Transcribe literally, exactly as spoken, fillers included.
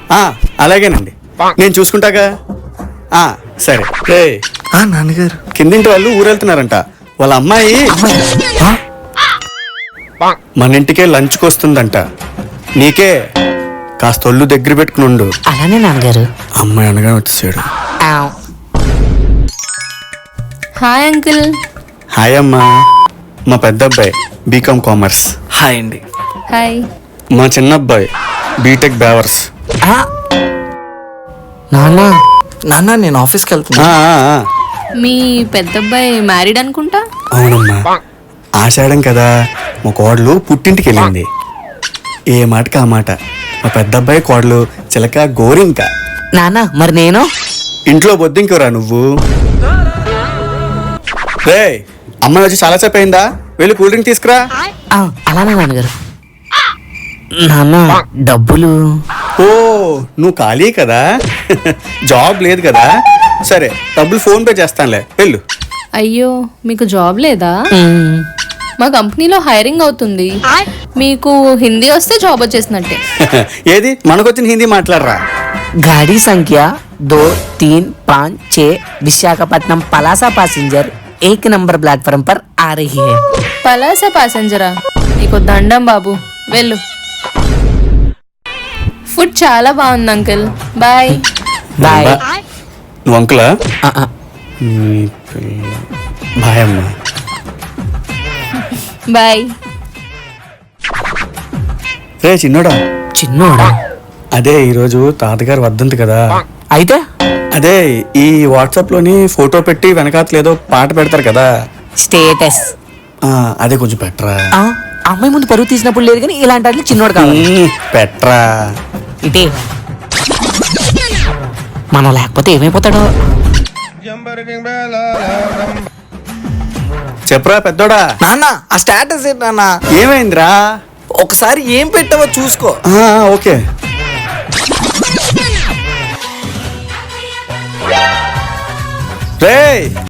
ఆ, అలాగేనండి, నేను చూసుకుంటాగా. ఆ, సరే. రే ఆ నాన్నగారు. కిందింటి వాళ్ళు ఊరెళ్తున్నారంట. వాళ్ళ అమ్మాయి ఆ? మన ఇంటికే లంచ్కి వస్తుందంట. నీకే కాస్త ఒళ్ళు దగ్గర పెట్టుకుని ఉండు. అలానే నాన్నగారు. అమ్మాయి అనగానే వచ్చేసాడు. ఆవ్. Hi uncle. హాయ్ అమ్మా. మా పెద్ద అబ్బాయి బీకామ్ కామర్స్. హాయ్ అండి. హాయ్. మా చిన్న అబ్బాయి బీటెక్ బ్యావర్స్. ఆ. నాన్న నాన్న నేను ఆఫీస్కి వెళ్తున్నా. ఆ, ఆ, ఆ. మీ పెద్దబ్బాయి మ్యారీడ్ అనుకుంటా. అవునమ్మా, ఆషాఢం కదా, మా కోడలు పుట్టింటికి వెళ్ళింది. ఏ మాటకి ఆ మాట. మా పెద్ద అబ్బాయి కోడలు చిలక గోరింక. నాన్న మరి నేను ఇంట్లో బొద్దింకరా నువ్వు. రే అమ్మాయి వచ్చి చాలాసేపు అయిందా, వెళ్ళి కూల్ డ్రింక్ తీసుకురా. ఆ, అలానే నాన్నగారు. నాన్న డబ్బులు. ఓ నువ్వు ఖాళీ కదా, జాబ్ లేదు కదా, సరే డబ్బులు ఫోన్ పే చేస్తానులే, వెళ్ళు. అయ్యో మీకు జాబ్ లేదా? మ్మ్. మా కంపెనీలో హైరింగ్ అవుతుంది. మీకు హిందీ వస్తే జాబ్ వచ్చేసినట్టే. ఏది మనకొచ్చిన హిందీ మాట్లాడరా. गाड़ी संख्या दो तीन पाँच छः विशाखापट्टनम पलासा पैसेंजर एक नंबर प्लेटफॉर्म पर आ रही है. పలాస ప్యాసింజరా, నీకు దండం బాబు, వెళ్ళు. ఫుడ్ చాలా బాగుంది అంకుల్. బాయ్. बाय. నువ్వు అంకులా? ఆ, ఆ. నీ పిల్ల. బాయ్ అమ్మా. బాయ్. రే చిన్నోడా, చిన్నోడా అదే ఈరోజు తాతగారు వద్దంది కదా, అయితే అదే ఈ వాట్సాప్ లోని ఫోటో పెట్టి వెనకాతలు ఏదో పాట పెడతారు కదా, స్టేటస్. ఆ, అదే కొంచెం పెట్టరా. ఆ, అమ్మాయి ముందు పరువు తీసినప్పుడు లేదు కానీ ఇలాంటి వాటిలో చిన్నోడు కావాలి. మ్మ్, పెట్టరా. ఇటే మనం లేకపోతే ఏమైపోతాడో. చెప్పరా పెద్దోడా. నాన్న ఆ స్టేటస్ ఏంటి నాన్న? ఏమైందిరా? ఒకసారి ఏం పెట్టావో చూసుకో. ఆ, ఓకే. రేయ్